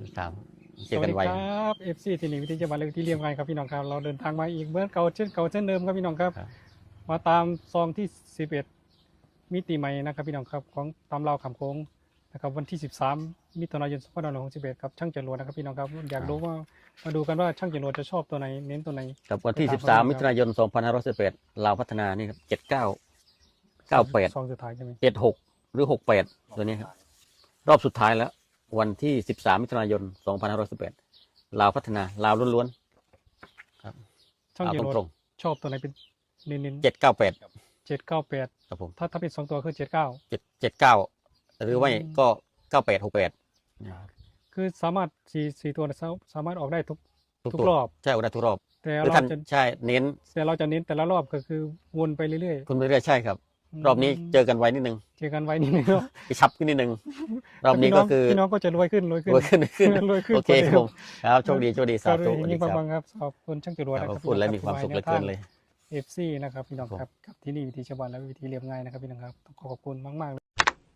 ครับเจสอวัสกันดีไวครับเอฟซีที่นี่วิทยาบาลเลยที่เรียมไงครับพี่น้องครับเราเดินทางมาอีกเหมือนเก่าเช่นเดิมครับพี่น้องครับครับมาตามซองที่11มิติใหม่นะครับพี่น้องครับของตามเราคำโค้งนะครับวันที่13มิถุนายน2561ครับช่างจรวดนะครับพี่น้องครับอยากรู้ว่ามาดูกันว่าช่างจรวดจะชอบตัวไหนเน้นตัวไหนกับวันที่ไปตาม 13 มิถุนายน 2511ลาวพัฒนานี่ครับ79 98 ซองสุดท้ายใช่ไหม 76 หรือ 68 ตัวนี้ครับรอบสุดท้ายแล้ว วันที่ 13 มิถุนายน 2511ลาวพัฒนาลาวล้วนๆครับช่างเอาจรวดตรงชอบตัวไหนเป็นเน้นๆ798 798 ครับผมถ้าเป็น2ตัวคือ79 79หรือว่าก็98 68 คือสามารถสี่ตัวสามารถออกได้ทุกทุกทุกตัวรอบใช่ได้ทุกรอบแต่หรือเราท่านจะใช่เน้นแต่ละรอบก็คือวนไปเรื่อยคุณไปเรื่อยใช่ครับๆรอบนี้เจอกันไว้นิดนึงเจอกันไว้นิดนึงเนาะกระชับขึ้นนิดนึง รอบนี้ก็คือพี่น้องก็จะรวยขึ้นรวยขึ้นรวยขึ้นโอเคครับผมครับโชคดีสาก็เลธุยสวัสยิ่ดีงครับฟังครับขอบคุณช่างจรวดคนะรับครับพูดแล้วมีความสุขเหลือเกินเลยเอฟซีนะครับพี่น้องครับกับที่นี่วิธีชาวบ้านและวิธีเรียบง่ายนะครับพี่น้องครับต้องขอบคุณมากๆเลย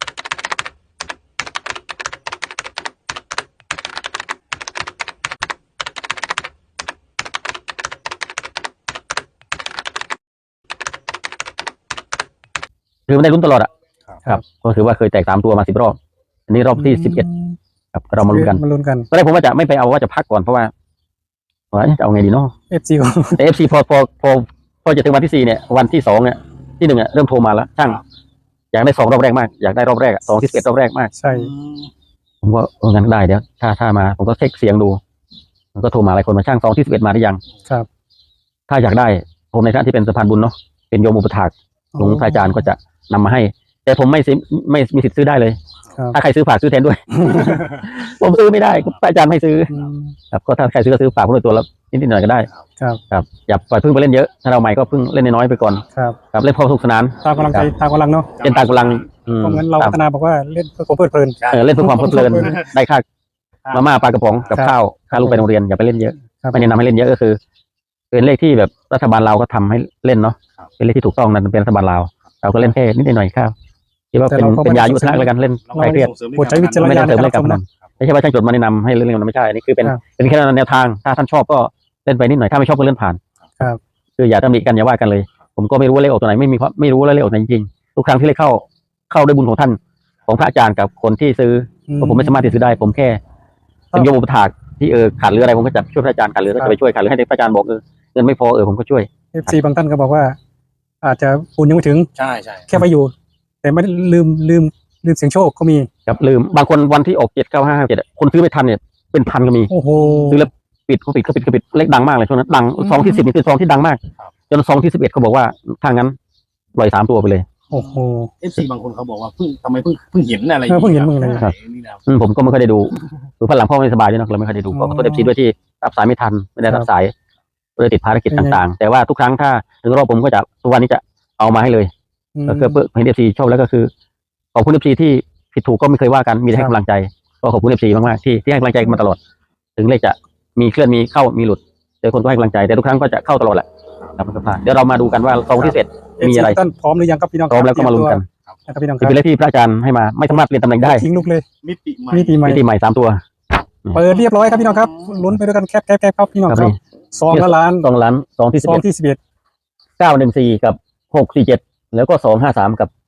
คือมันได้ลุ้นตลอดอ่ะครับก็ถือว่าเคยแตก3 ตัวมา10 รอบอันนี้รอบที่11ครับเรามาลุ้นกันมาลุ้นกันตอนแรกผมว่าจะไม่ไปเอาว่าจะพักก่อนเพราะว่าจะเอาไงดีเนาะเอฟซีของแต่ FC พอจะถึงวันที่4เนี่ยวันที่2เนี่ยที่1เนี่ยเริ่มโทรมาแล้วช่างอยากได้2 รอบแรกมากอยากได้รอบแรก2ที่11รอบแรกมากใช่ผมก็งั้นได้เดี๋ยวถ้ามาผมก็เช็คเสียงดูมันก็โทรมาหลายคนมาช่าง2ที่11มาหรือยังครับถ้าอยากได้ผมในฐานะที่เป็นสะพานบุญเนาะเป็นโยมอุปถากหลวงพระอาจารย์ก็จะนำมาให้ แต่ผมไม่มีสิทธิ์ซื้อได้เลยครับถ้าใครซื้อฝากซื้อแทนด้วย ผมซื้อไม่ได้พระอาจารย์ไม่ซื้ออืมครับก็ถ้าใครซื้อก็ซื้อฝากผมด้วยตัวละนิดหน่อยก็ได้ครับครับอย่าปล่อยพึ่งไปเล่นเยอะถ้าเราใหม่ก็พึ่งเล่นน้อยๆไปก่อนครับครับเล่นพอสนุกสนานตามกำลังใจตามกำลังเนาะเล่นตามกำลังเพราะงั้นเราคพับฒนาบอกว่าเล่นเพื่อความเพลิดเพลินเล่นเพื่อความเพลิดเพลินได้ค่ามาม่าปลากระป๋องกับครับข้าวค่าลูกไปโรงเรียนอย่าไปเล่นเยอะครับไม่แนะนำให้เล่นเยอะก็คือ เป็นเลขที่แบบรัฐบาลเราก็ทำให้เล่นเนาะเป็นเลขที่ถูกต้องนั่นเป็นรัฐบาลเราเราก็เล่นแค่นิดหน่อยครับคิดว่าเป็นยายุทธนะแล้วกันเล่นใครเครียดโปรดใช้วิจารณไม่ญาได้ณเติมในเลขการกับรับชมมันนะไม่ใช่ว่าช่างจดมาแนะนำให้เล่นมันไม่ใช่อันนี้คือเป็นครับเป็นแค่แนวทางถ้าท่านชอบก็เล่นไปนิดหน่อยถ้าไม่ชอบก็เลื่อนผ่านครับคืออย่าตำหนิกันอย่าว่ากันเลย ผมก็ไม่รู้ว่าเลขออกตัวไหนไม่รู้ว่าเลขออกตัวไหนจริงๆทุกครั้งที่เลขเข้าด้วยบุญของท่านของพระอาจารย์กับคนที่ซื้อเพราะผมไม่สามารถที่ซื้อได้ผมแค่เป็นโยมอุปถากที่ขาดเหลืออะไรผมก็จะช่วยพระอาจารย์ขาดเหลือก็จะไปช่วยขาดเหลือให้พระอาจารย์บอกเงินไม่พอผมก็ช่วยเอฟซีบางท่านก็บอกว่า อาจจะบุญยังไม่ถึงใช่แค่ไปอยู่ แต่ไม่ได้ลืมเสียงโชคก็มีครับลืมบางคนวันที่ออก79557คนซื้อไม่ทันเนี่ยเป็นพันก็มีโอ้โหซื้อแล้วปิดเลขดังมากเลยช่วงนั้นดังซองที่10นี่คือซองที่ดังมากจนซองที่11เขาบอกว่าถ้างั้นปล่อย3 ตัวไปเลยโอ้โห FC บางคนเขาบอกว่าทำไมเพิ่งเห็นอะไรเพิ่งเห็นมึงเลยครับนี่นะครับผมก็ไม่ค่อยได้ดูคือพันหลังพ่อไม่สบายด้วยเนอะเราไม่ค่อยได้ดูก็ขอโทษFCด้วยที่รับสายไม่ทันไม่ได้รับสายเลยติดภารกิจต่างๆ แต่ว่าทุกครั้งถ้าถึงรอบผมก็จะทุกวันนี้จะเอามาให้เลยก็คือเพื่อให้ FC ชอบแล้วก็คือขอบคุณ FC ที่ผิดถูกก็ไม่เคยว่ากันมีแต่ให้กำลังใจก็ขอบคุณ FC มากๆที่ให้กำลังใจมาตลอด ถึงเลขจะมีเคลื่อนมีเข้ามีหลุดแต่คนก็ให้กำลังใจแต่ทุกครั้งก็จะเข้าตลอดแหละครับมันก็พลาดเดี๋ยวเรามาดูกันว่าซองที่เสร็จมีอะไรท่านพร้อมหรือยังครับพี่น้องพร้อมแล้วก็มาลุ้นกันนะครับพี่น้องคจะรับเป็นเลขที่พระอาจารย์ให้มาไม่สามารถเปลี่ยนตำแหน่งได้ทิ้งลูกเลยมิติใหม่มิติใหม่มิติใหม่3 ตัวเปิดเรียบร้อยครับพี่น้องครับลุ้นไปด้วยกันแคบครับพี่น้องครับครับนี่ซองละล้าน 2 ล้าน2ที่ซองที่11 914กับ647แล้วก็253กับ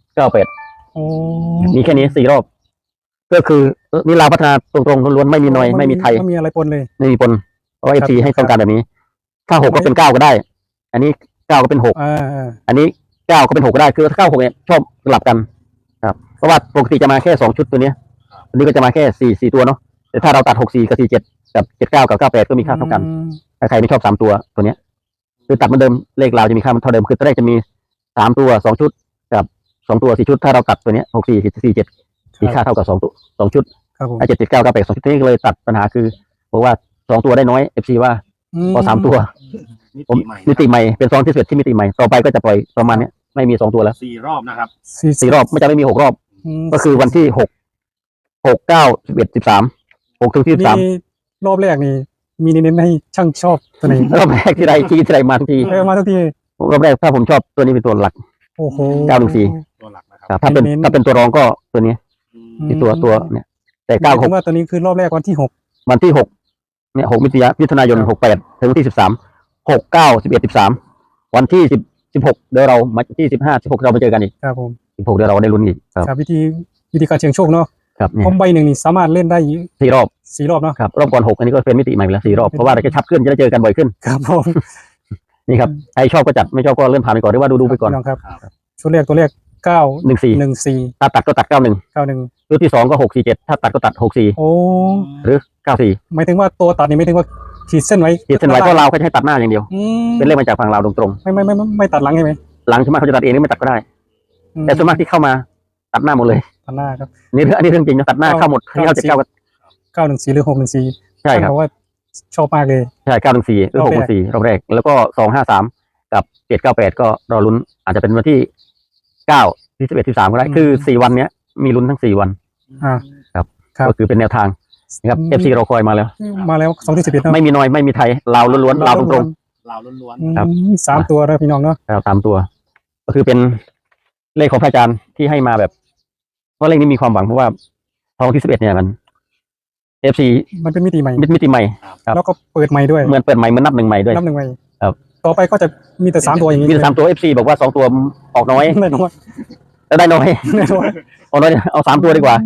798 โอ้มีแค่นี้4 รอบ ก็คือนี่ลาวพัฒนาตรงๆล้วนๆไม่มีนอยไม่มีไทยไม่มีอะไรปนเลยไม่มีปนเพราะ FC ให้ต้องการแบบนี้ ถ้า6ก็เป็น9ก็ได้ อันนี้9ก็เป็น6 อันนี้9ก็เป็น6ก็ได้คือถ้า96เนี่ยชอบสลับกันครับเพราะว่าปกติจะมาแค่2 ชุดตัวเนี้ยอันนี้ก็จะมาแค่4ตัวเนาะแต่ถ้าเราตัด64กับ47กับ79กับ98ก็มีค่าเท่ากันถ้าใครไม่ชอบ3 ตัวเนี้ยคือตัดเหมือนเดิมเลขเราจะมีค่าเท่าเดิมคือตอนแรกจะมี3 ตัว2 ชุดกับ2 ตัว4 ชุดถ้าเราตัดตัวเนี้ย64 47มีค่าเท่ากับ2 ชุดครับผม 7 7 9 98 2 ชุดนี้ก็เลยตัดปัญหาคือบอกว่า2 ตัวได้น้อย FC ว่าพอ3 ตัวมิผมติใหม่มิติใหม่เป็นซองที่11ที่มิติใหม่ต่อไปก็จะปล่อยประมาณเนี้ยไม่มี2 ตัวแล้ว 4 รอบนะครับ 4 รอบไม่ไม่มี6 รอบ ก็คือวันที่6 9 11 13 6ถึงที่มีรอบแรกนี่มีเน้นๆให้ช่างชอบตัวไหน 13รอบแรกที่ใดที่ใดมาทุกทีมาทุกทีรอบแรกถ้าผมชอบตัวนี้เป็นตัวหลักโอ้โห 914 ตัวหลักนะคครัรับบ ถ้าเป็นตัวรองก็ตัวนี้อืมที่ตัวเนี่ยแต่หมายถึง 96 ว่าตัวนี้คือรอบแรกวันที่วันที่6เนี่ย6มิถุนายน68ถึงวันที่13 6 9 11 13วันที่16เดี๋ยวเรามาที่15 16เราไปเจอกันอีก 6ครับผม 16เดี๋ยวเราได้ลุ้นอีกครับครับวิธีการเสี่ยงโชคเนาะครับเนี่เพยราะใบหนึ่งนี่สามารถเล่นได้ 4 รอบ 4 รอบเนาะครับรอบก่อน6อันนี้ก็เป็นมิติใหม่ไปแล้ว4 รอบเพราะว่าเราจะชับขึ้นจะได้เจอกันบ่อยขึ้นครับผมนี่ครับใครชอบก็จัดไม่ชอบก็เลื่อนผ่านไปก่อนหรือว่าดูไปก่อนพี่น้องครับชุดแรกตัวแรก9 14 14 ถ้าตัดก็ตัด 91 91 ชุดที่2ก็647ถ้าตัดก็ตัด64 โอ้หรือ94 หมายถึงว่าตัวตัดนี่ไม่ถึงว่าขีดเส้นไว้ขีดเส้นไว้ก็เราก็จะให้ตัดหน้าอย่างเดียวอืมเป็นเลขมาจากฝั่งเราวตรงไม่ตัดหลังใช่ไหมๆหลังส่วนมากเขาจะตัดเองหรือไม่ตัดก็ได้อืมแต่ส่วนมากที่เข้ามาตัดหน้าหมดเลยตัดหน้าครับอันนี้เรื่องจริงนะตัดหน้าเข้าหมดที่เข้า79ก็ 914หรือ614 ใช่ครับเพราะว่าชอบมากเลยใช่914หรือ614รอบแรกแล้วก็253กับ798ก็รอลุ้นอาจจะเป็นวันที่9ที่11 13ก็ได้คือ4วันเนี้ยมีลุ้นทั้ง4วันอ่า ครับก็คือเป็นแนวทางนะครับ FC เราคอยมาแล้วมาแล้ว2ที่11เนาะไม่มีน้อยไม่มีไทยลาวล้วนๆลาวตรงลาวล้วนอืมครับสามตัวนะพี่น้องเนาะๆเราตามตัว ก็คือเป็นเลขของพระอาจารย์ที่ให้มาแบบเพราะเลขนี้มีความหวังเพราะว่าทองที่11เนี่ยมัน FC มันเป็นมิติใหม่มิติใหม่ ครับแล้วก็เปิดใหม่ด้วยเหมือนเปิดใหม่เหมือนนับหนึ่งใหม่ด้วยนับหนึ่งใหม่ครับต่อไปก็จะมีแต่3ตัวอย่างนี้มีแต่3ตัว FC บอกว่า2ตัวออกน้อยแน่นอนแล้วได้น้อยแน่นอนเอาน้อยเอา3ตัวดีกว่า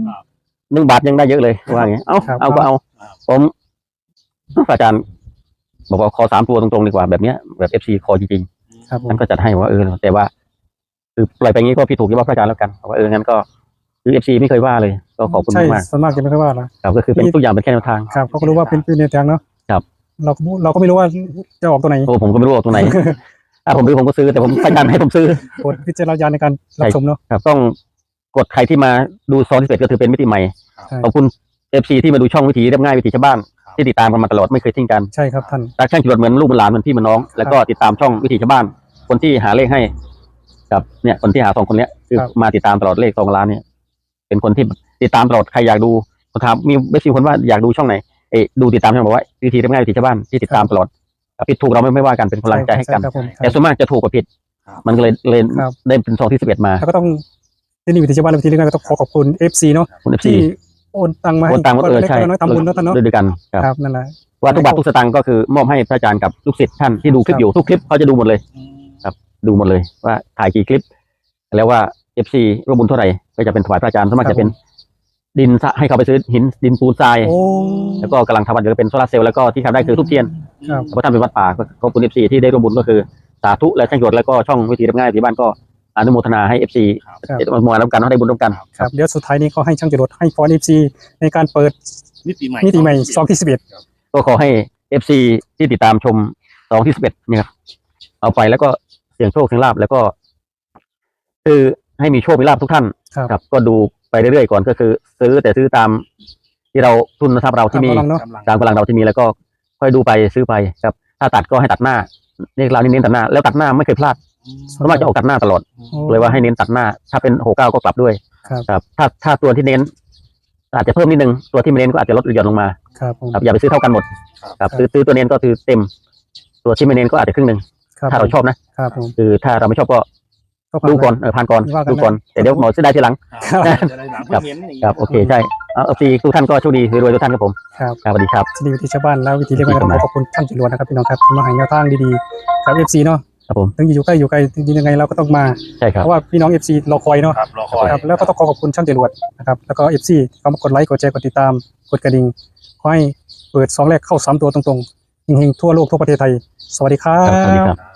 1 บาทยังได้เยอะเลยว่าอย่างเงี้ยเอาครับเอาก็เอาผมพระอาจารย์บอกว่าขอ3ตัวตรงๆดีกว่าแบบเนี้ยแบบ FC ขอจริงครับผๆมท่านก็จัดให้ว่าแต่ว่า คือปล่อยไปงี้ก็ผิดถูกที่ว่าพระอาจารย์แล้วกันว่างั้นก็คือ FC ไม่เคยว่าเลยก็ขอบคุณใช่มากส่วนมากจะไม่ค่อยว่านะครับก็คือเป็นทุกอย่างเป็นแค่แนวทางครับเขาก็รู้ว่าเป็นแนวทางเนาะครับเราก็ไม่รู้ว่าจะออกตัวไหนโอ้ผมก็ไม่รู้ว่าตรงไหน ถ้าผมซื้อผมก็ซื้อแต่ผมพระอาจารย์ให้ผมซื้อกดพิจารณาในการรับชมเนาะครับต้องกดใครที่มาดูซอนที่11ก็ถือเป็นมิติใหม่ใช่ขอบคุณ FC ที่มาดูช่องวิถีเรียบง่ายวิถีชาวบ้านที่ติดตามกันมาตลอดไม่เคยทิ้งกันใช่ครับท่านรักช่างจรวดเหมือนลูกเหมือนหลานเหมือนพี่เหมือนน้องแล้วก็ติดตามช่องวิถีชาวบ้าน คนที่หาเลขให้กับเนี่ยคนที่หา2 คนเนี้ยคือมาติดตามตลอดเลข2 ล้านเนี่ยเป็นคนที่ติดตามตลอดใครอยากดูผมถามมีเบสซีคนว่าอยากดูช่องไหนดูติดตามช่องบอกว่าวิถีเรียบง่ายวิถีชาวบ้านที่ติดตามตลอดผิดถูกเราไม่ว่ากันเป็นกำลังใจให้กันช่ครับผมแต่ส่วนมากจะถูกกว่าผิด มันก็เลยครับได้เป็นซองที่11มาแล้วก็ต้องที่นี่วิธีชาวบ้านวิธีเรื่องก็ต้องขอขอบคุณ FC เนาะคุณ FC ที่โอนตังมาให้โอนตังค์มาคนละเล็กใช่คนละน้อยทำบุญเนาะท่านเนาะด้วยกันครับครับนั่นแหละว่าทุกบาททุกสตางค์ก็คือมอบให้พระอาจารย์กับลูกศิษย์ท่านที่ดูคลิปอยู่ทุกคลิปเขาจะดูหมดเลย ดูหมดเลยว่าถ่ายกี่คลิป แล้วว่า FC ร่วมบุญเท่าไหร่ก็จะเป็นถวายพระอาจารย์ส่วนมากจะเป็นดินให้เขาไปซื้อหินดินปูนทรายโอ้แล้วก็กำลังทำวัดก็เป็นโซลาร์เซลล์แล้วก็ที่ทำได้คือทุบเทียนครับเพราะท่านเป็นวัดป่าก็ขอบคุณ FC ที่ได้ร่วมบุญก็คือสาธุและช่างจรวดแล้วก็ช่องวิถีเรียบง่ายที่บ้านก็อนุโมทนาให้ FC มาร่วมกันได้บุญร่วมกันครับเดี๋ยวสุดท้ายนี้ก็ให้ช่างจรวดให้ฟอน FC ในการเปิดมิติใหม่มิติใหม่ซองที่11 ก็ขอให้ FC ที่ติดตามชม2ที่11เนี่ยครับเอาไปแล้วก็เสี่ยงโชคเสี่ยงลาภแล้วก็ คือให้มีโชคมีลาภทุกท่านครับก็ดูไปเรื่อยๆก่อนก็คือ ซื้อตามที่เราทุนทรัพย์เราที่มีตามกำลังเนอะตามกำลังเราที่มีแล้วก็ค่อยดูไปซื้อไปครับ ถ้าตัดก็ให้ตัดหน้านี่เราเน้นตัดหน้าแล้วตัดหน้าไม่เคยพลาดเพราะว่าจะออกตัดหน้าตลอดโอ้เลยว่าให้เน้นตัดหน้า ถ้าเป็น69ก็กลับด้วยครับถ้าตัวที่เน้น อาจจะเพิ่มนิดนึงตัวที่ไม่เน้นก็อาจจะลดหรือหย่อนลงมาครับผมครับอย่าไปซื้อเท่ากันหมดครับซื้อตัวเน้นก็คือเต็ม ตัวที่ไม่เน้นก็อาจจะครึ่งหนึ่งครับถ้าเราชอบนะครับผมคือถ้าเราไม่ชอบก็ผ่าดูก่อนผ่านก่อนว่ากันดูก่อนนะแต่เดี๋ยวหมอซื้อได้ทีหลังจะได้หนังเพิ่งเห็นอย่างนี้ครับโอเคใช่เอาซีทุกท่านก็โชคดีรวยๆทุกท่านครับผมครับครับสวัสดีครับที่นี่วิธีชาวบ้านแล้ววิธีเรียกว่าขอขอบคุณท่านจรวดนะครับพี่น้องครับที่มาให้แนวทางดีๆกับ FC เนาะครับผมถึงอยู่ใกล้อยู่ไกลจริงๆยังไงเราก็ต้องมาใช่ครับเพราะว่าพี่น้อง FC รอคอยเนาะครับรอคอยครับแล้วก็ต้องขอขอบคุณช่างจรวดนะครับแล้วก็ FC เข้ามากดไลค์กดแชร์กดติดตามกดกระดิ่งขอให้เปิด2แรกเข้า3ตัวตรงๆเฮงๆทั่วโลกทั่วประเทศไทยสวัสดีครัครับสวัสดีบครับ